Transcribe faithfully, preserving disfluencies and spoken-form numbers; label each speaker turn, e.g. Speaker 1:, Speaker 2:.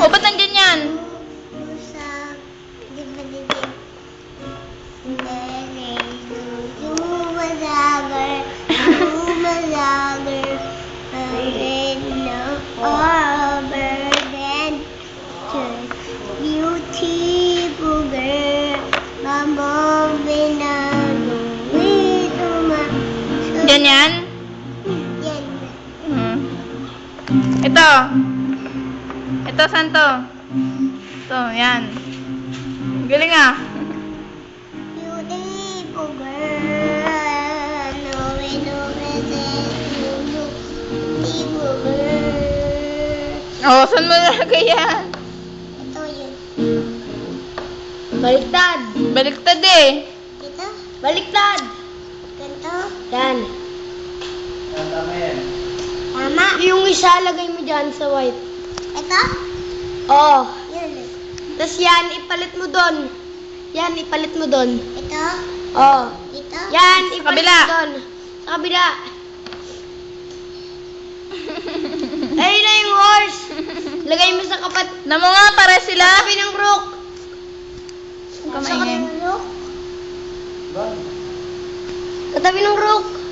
Speaker 1: O, ba't nandyan yan?
Speaker 2: Sa... Di ba dito? Lumalagar, lumalagar, overden, beautiful girl, mamobin na luwi, tumasok.
Speaker 1: Dyan yan?
Speaker 2: Yan.
Speaker 1: Hmm. Ito. Ito, saan to? Ito, yan. Galing ah.
Speaker 2: Beautiful girl, luwi, luwi, beautiful girl.
Speaker 1: Oh, saan mo nalagay yan?
Speaker 2: Ito yun.
Speaker 3: Baliktad.
Speaker 1: Baliktad eh.
Speaker 2: Dito?
Speaker 3: Baliktad.
Speaker 2: Ganito?
Speaker 3: Yan.
Speaker 2: Tama?
Speaker 3: Yung isa, lagay mo dyan sa white.
Speaker 2: Ito?
Speaker 3: Oo.
Speaker 2: Yun.
Speaker 3: Tapos yan, ipalit mo doon. Yan, ipalit mo doon.
Speaker 2: Ito?
Speaker 3: Oo.
Speaker 2: Dito?
Speaker 3: Yan,
Speaker 1: Sa
Speaker 3: ipalit
Speaker 1: kabila.
Speaker 3: mo doon. Sa kabila. Ayun na yung horse. Lagay mo sa kapat.
Speaker 1: Namo nga, pare sila.
Speaker 3: Tabi ng brook.
Speaker 1: Huwag ka maingay.
Speaker 2: Sa
Speaker 3: Sa tabi ng brook.